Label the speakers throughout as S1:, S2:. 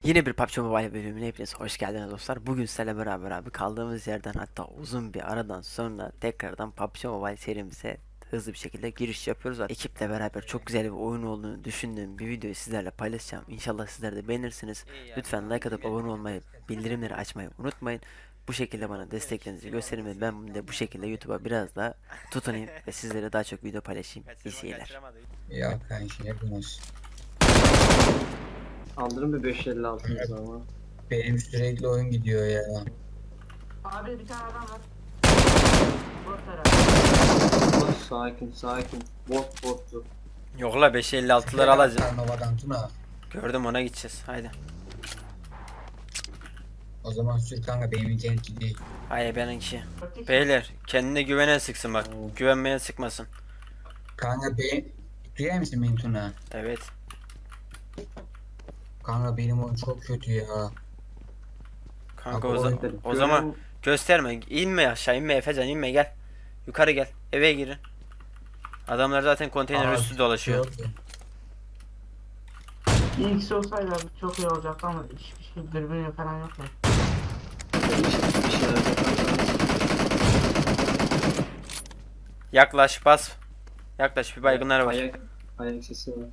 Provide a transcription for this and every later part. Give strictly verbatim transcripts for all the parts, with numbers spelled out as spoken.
S1: Yine bir P U B G Mobile bölümüne hepiniz hoş geldiniz dostlar. Bugün sizlerle beraber abi kaldığımız yerden, hatta uzun bir aradan sonra tekrardan P U B G Mobile serimize hızlı bir şekilde giriş yapıyoruz. Ekiple beraber çok güzel bir oyun olduğunu düşündüğüm bir videoyu sizlerle paylaşacağım. İnşallah sizler de beğenirsiniz. Lütfen like atıp abone olmayı, bildirimleri açmayı unutmayın. Bu şekilde bana desteklerinizi gösterin ve ben de bu şekilde YouTube'a biraz daha tutunayım ve sizlere daha çok video paylaşayım. İyi seyirler.
S2: Ya kanki hepimiz.
S3: Aldırın bir beş elli altınız ama.
S2: Benim sürekli oyun gidiyor ya.
S4: Abi bir tane adam var. Bot tarafı.
S3: Bot sakin sakin. Bot bottu.
S1: Yok la beş elli altılar alacağım.
S2: Karnovadan Tuna.
S1: Gördüm, ona gideceğiz. Haydi.
S2: O zaman sür kanka benim internet değil.
S1: Hayır benimki. Beyler kendine güvenen sıksın bak. Güvenmeyen sıkmasın.
S2: Kanka be duyar mısın beni Tuna?
S1: Evet.
S2: Kanka benim oyun çok kötü ya.
S1: Kanka
S2: Abi
S1: o, za-
S2: oyun-
S1: o zaman gösterme. İnme aşağı, inme Efecan, inme, gel. Yukarı gel. Eve girin. Adamlar zaten konteyner
S2: Aa,
S1: üstü dolaşıyor.
S2: yok.
S4: İyi kişi olsaydı abi çok iyi olacaktı ama hiçbir şey dürbün falan yok ya.
S3: Bir şeyler yaparsanız.
S1: Yaklaş, bas. Yaklaş, bir baygınlar var.
S3: Ayak, ayak sesi var.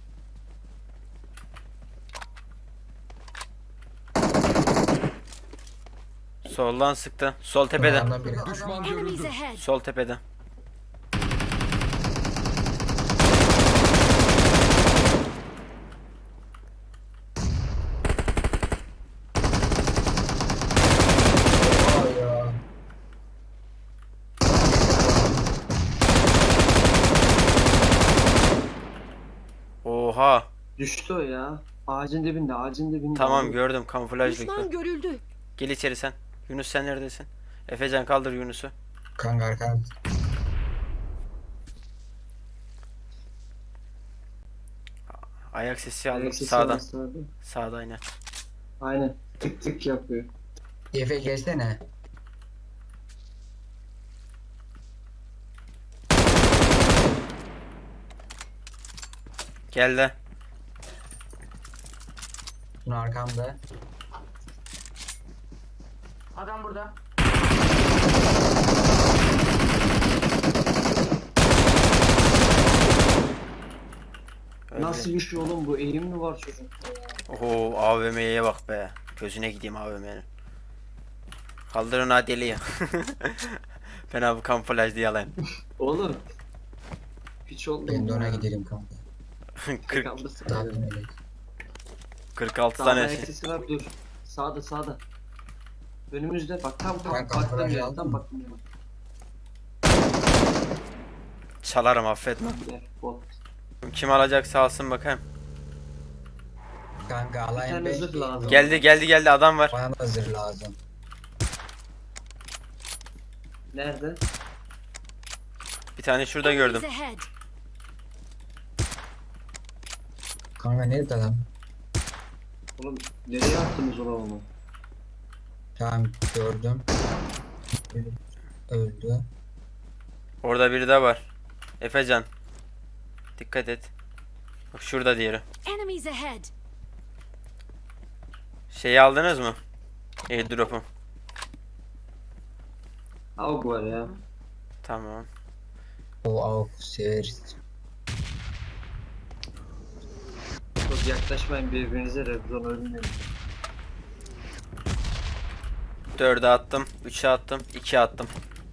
S1: Soldan sıktı. Sol tepede.
S2: Adamdan biri.
S5: Düşman görüldü.
S1: Sol tepede.
S2: Aa ya.
S1: Oha.
S3: Düştü o ya. Ağacın dibinde, ağacın dibinde.
S1: Tamam,
S3: Abi.
S1: gördüm, kamuflajlı.
S5: Düşman görüldü.
S1: Gel içeri sen. Yunus sen neredesin? Efecan kaldır Yunus'u.
S2: Kanka arkan.
S1: Ayak sesi aldım.
S3: Ayak sesi
S1: Sağdan.
S3: var sağda.
S1: Sağda aynen.
S3: Aynen. Tık tık yapıyor.
S2: Efe gelsene.
S1: Geldi.
S2: Tuna arkamda.
S4: Adam burada.
S1: Öyle.
S3: Nasıl bir şey oğlum bu? Eğim mi var çocuk?
S1: Oho, A V M'ye bak be. Gözüne gideyim A V M'nin. Kaldırın ha deliye. Ben abi kamuflaj diye alayım.
S3: Oğlum. Piç oldum.
S2: Ben de ona
S3: ya.
S2: gidelim kanka.
S1: kırk,
S3: Kaldırsın.
S2: Daha bilmedik.
S1: kırk altı
S3: Sağda
S1: tane
S3: ayak
S1: şey.
S3: sesi var, dur. Sağda sağda. Önümüzde bak, tam tam
S2: Ben
S3: baktım
S2: kamuflaj
S3: ya,
S2: aldım
S3: tam
S2: mı?
S3: baktım ya.
S1: Çalarım, affetme.
S3: Gel bot.
S1: Kim alacaksa alsın bakayım.
S2: Kanka
S3: Bir
S2: alayım
S3: tane
S2: beş
S3: zırh
S2: değil.
S3: lazım.
S1: Geldi geldi geldi, adam var.
S2: Bana da zırh lazım.
S3: Nerede?
S1: Bir tane şurada gördüm.
S5: Enemies ahead.
S2: Kanka nerede lan?
S3: Oğlum nereye attınız o onu?
S2: Tamam gördüm. Öldü.
S1: Orada biri de var. Efecan. Dikkat et. Bak şurada diğeri.
S5: Enemies ahead.
S1: Şeyi aldınız mı? Airdrop'u.
S3: Avg var ya.
S1: Tamam.
S2: O avuk severiz.
S3: Çok yaklaşmayın birbirinize, Rebzon ölmeyin.
S1: dörde attım. üçe attım. ikiye attım.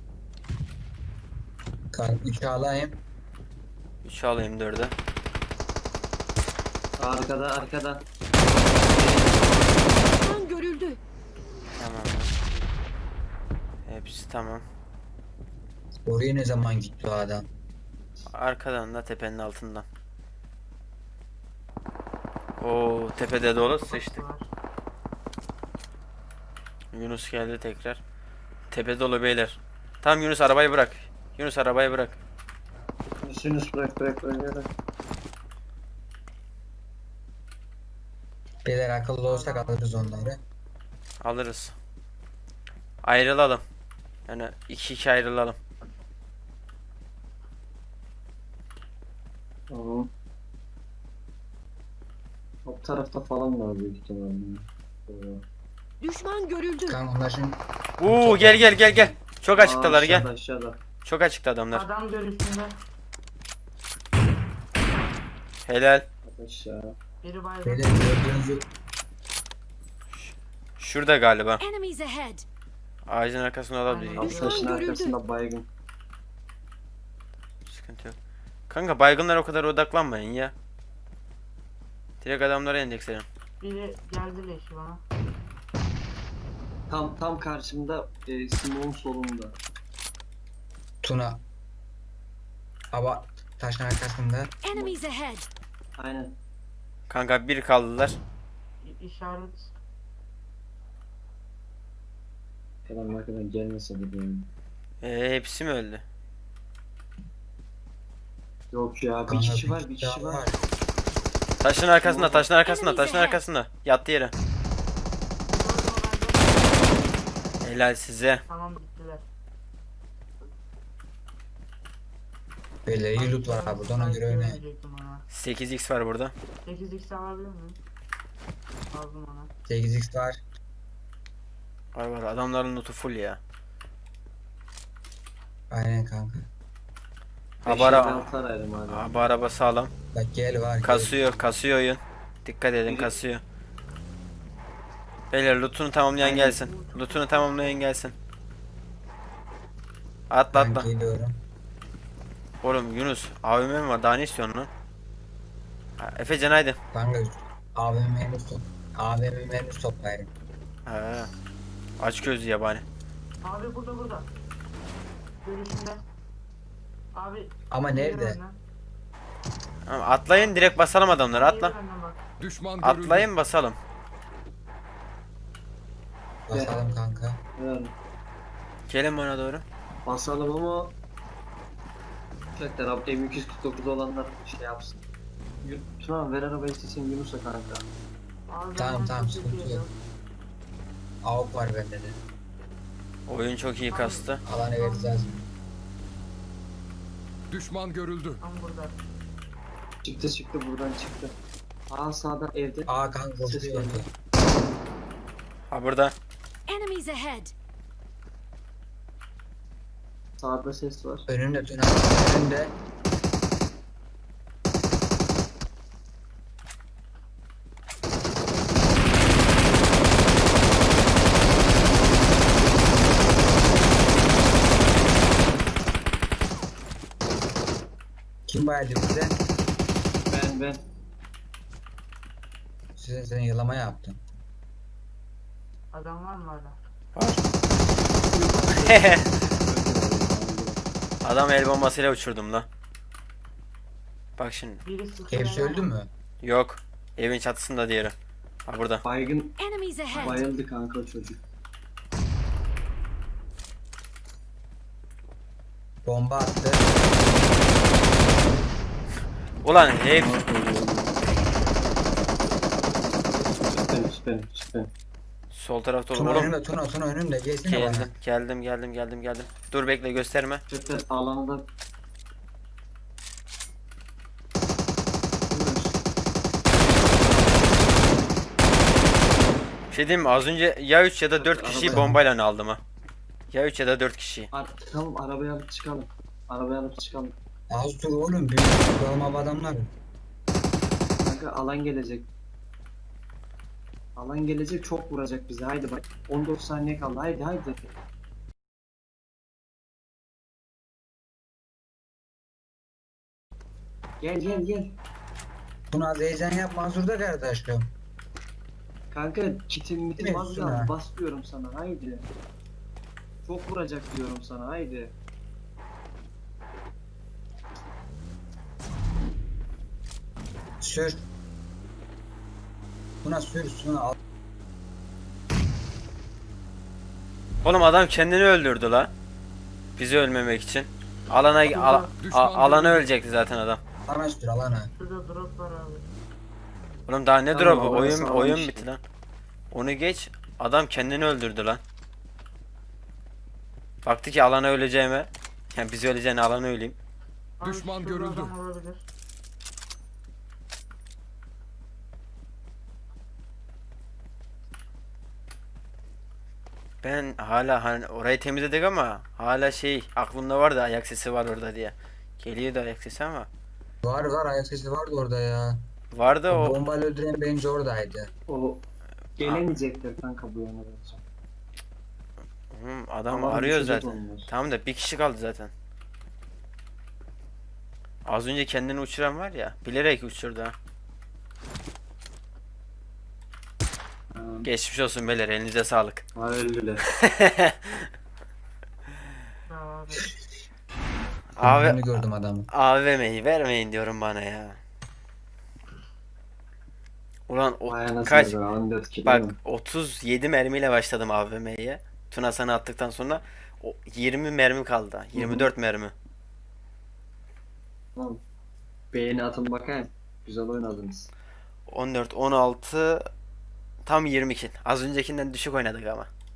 S2: Kanka üçü alayım.
S1: üçe alayım dörde.
S3: Arkada arkada.
S5: Düşman görüldü.
S1: Tamam. Hepsi tamam.
S2: Oraya ne zaman gitti o adam?
S1: Arkadan da tepenin altından. Oo, tepede dolu, sıçtık.
S4: Var.
S1: Yunus geldi tekrar. Tepe dolu beyler. Tamam Yunus, arabayı bırak. Yunus arabayı bırak.
S3: Sinüs bırak bırak bırak.
S2: Beyler akıllı olsak alırız onları.
S1: Alırız. Ayrılalım. Yani iki iki ayrılalım.
S3: Tamam. O tarafta falan var büyük ihtimalle. Ee,
S5: Düşman görüldü.
S2: Kanka onlar şimdi
S1: Oo gel gel gel gel. Çok açıktalar
S3: aa,
S1: gel.
S3: aşağıda, aşağıda.
S1: Çok açıkta adamlar.
S4: Adam görüşünde.
S1: Helal.
S3: Aşağı.
S4: Biri baygın.
S2: böyle gördüğünüzü
S1: Şurada galiba.
S5: Enemies ahead.
S1: Ağacın arkasında olabilir.
S4: Aynen.
S1: Hiç
S5: Düşman
S3: Taşın
S5: görüldü.
S3: arkasında baygın.
S1: sıkıntı yok. Kanka baygınlara o kadar odaklanmayın ya. Direkt adamlara endeksleyin.
S4: Biri geldi leşi bana.
S3: Tam tam karşımda e, Simon'un solunda.
S2: Tuna. Ama taşın arkasında.
S5: Enemies ahead.
S3: Aynen.
S1: Kanka bir kaldılar.
S4: İ- işaret.
S3: Adam arkadan gelmese de benim.
S1: Ee, hepsi mi öldü?
S3: Yok ya bir
S2: Kanka
S3: kişi var bir
S2: kişi
S3: kişi
S2: daha
S3: var.
S1: Taşın arkasında, taşın arkasında, taşın arkasında. Yattı yere. Helal size.
S4: Tamam bittiler.
S2: Böyle iyi loot var abi. Ona göre oynayın.
S4: Verecektim ona.
S1: sekiz x var burada.
S4: sekiz x alabilir miyim? Aldım ona.
S2: sekiz x var.
S1: Var var adamların lootu full ya.
S2: Aynen kanka.
S1: Abi ara,
S3: altı araydım abi.
S1: abi araba sağlam.
S2: Bak gel var. Gel.
S1: Kasıyor, kasıyor oyun. Dikkat edin kasıyor. Beyler lootunu tamamlayan gelsin. Lootunu tamamlayan gelsin. Atla
S2: Ben
S1: atla.
S2: geliyorum.
S1: Oğlum Yunus A V M mi var daha ne istiyorsun lan? Ha, Efecan haydi.
S2: Kanka A V M henüz top. A V M henüz toplayın.
S1: Ha, aç gözlü yabani.
S4: Abi burada burada. Görüşünde. Abi.
S2: Ama nerede?
S4: yürü benden.
S1: Tamam, atlayın direkt basalım adamları atla.
S4: Yürü benden bak.
S6: Düşman görüldü.
S1: Atlayın basalım.
S2: Basalım kanka.
S3: Evet.
S1: Gelin bana doğru.
S3: Basalım ama Tekrar abi M iki yüz kırk dokuz olanlar şey yapsın. Yun- Tuna ver arabayı istesin Yunus'a kanka.
S4: Abi
S2: Tamam,
S4: benden
S2: tamam,
S4: çok
S2: sıkıntı
S4: kötü
S2: yok. Avuk var bende de.
S1: Oyun çok iyi kastı.
S2: Alanı vereceğiz.
S6: Düşman görüldü.
S4: Tam burada.
S3: Çıktı çıktı buradan çıktı. Aa sağda evde.
S2: Aa kanka
S3: Ses
S2: koşuyor.
S3: geliyor.
S1: Ha burada.
S5: Enemies ahead.
S3: Sağda ses var.
S2: Önünde Tuna. Önünde. Kim bayıldı bize?
S3: Ben ben.
S2: Sizin senin yılama yaptım.
S4: Adam var mı hala?
S1: Var. Adam el bombasıyla uçurdum lan. Bak şimdi.
S4: Biri sıkıyor.
S2: Hepsi öldü mü?
S1: Yok. Evin çatısında diğeri. Ha burada.
S3: Baygın
S5: Enemies ahead.
S3: bayıldı kanka çocuk.
S2: Bomba attı.
S1: Ulan hep
S3: Süper süper süper.
S1: sol tarafta olur.
S2: Tuna
S1: Oğlum
S2: önünde, Tuna, Tuna önünde. Gelsene bana.
S1: geldim, geldim, geldim, geldim, geldim. Dur bekle gösterme.
S3: Süper alanında.
S1: Bir şey diyeyim mi? Az önce ya üç ya da dört kişiyi
S3: Arabaya-
S1: bombayla aldım ha. Ya üç ya da dört kişiyi.
S3: Ar tamam arabaya alıp çıkalım. Arabaya alıp çıkalım.
S2: Az dur oğlum. Büyük yılama adamlar.
S3: Kanka alan gelecek. Alan gelecek çok vuracak bize. Haydi bak. on dokuz saniye kaldı. Haydi haydi. Gel gel gel.
S2: Tuna az heyecan yapma. Hazırda kardeşim.
S3: Kanka kitim mitim
S2: Evet,
S3: az
S2: Tuna.
S3: kaldı. Bas diyorum sana. Haydi. Çok vuracak diyorum sana. Haydi.
S2: Sür. Tuna sür. Tuna al.
S1: Oğlum adam kendini öldürdü la. Bizi ölmemek için. Alana al, a- alana ölecekti zaten adam.
S2: Alana sür alana.
S4: Şurada drop var abi.
S1: Oğlum daha ne
S3: Tamam,
S1: drop'u?
S3: oraya
S1: Oyun
S3: sağlam
S1: oyun
S3: işte.
S1: bitti lan. Onu geç. Adam kendini öldürdü lan. Baktı ki alana öleceğime. Yani biz öleceğine alana öleyim.
S4: Abi
S6: Düşman
S4: şurada
S6: görüldü.
S4: adam olabilir.
S1: Ben hala hani orayı temizledik ama hala şey aklımda vardı ayak sesi var orada diye. Geliyordu ayak sesi ama.
S2: Var var, ayak sesi vardı orada ya.
S1: Vardı
S2: O
S1: o.
S2: bombayla öldüren bence oradaydı.
S3: O gelemeyecekler kanka bu yana bence.
S1: Hı, adam
S3: Alan
S1: arıyor
S3: düşecek
S1: zaten.
S3: onlar.
S1: Tamam da bir kişi kaldı zaten. Az önce kendini uçuran var ya, bilerek uçurdu ha.
S3: Ha,
S1: Geçmiş olsun beyler, elinize sağlık.
S3: ha öldüler.
S4: Ya abi.
S1: Abi
S2: Öldüğünü gördüm adamı.
S1: A V M'yi vermeyin diyorum bana ya. Ulan o
S3: Vay anasını
S1: kaç
S3: be, on dört kilo
S1: bak
S3: mu?
S1: otuz yedi mermiyle başladım A V M'ye. Tuna sana attıktan sonra o yirmi mermi kaldı. yirmi dört mermi.
S3: Tamam. Beğeni atın bakayım. Güzel oynadınız.
S1: on dört on altı tam yirmi kill. Az öncekinden düşük oynadık ama.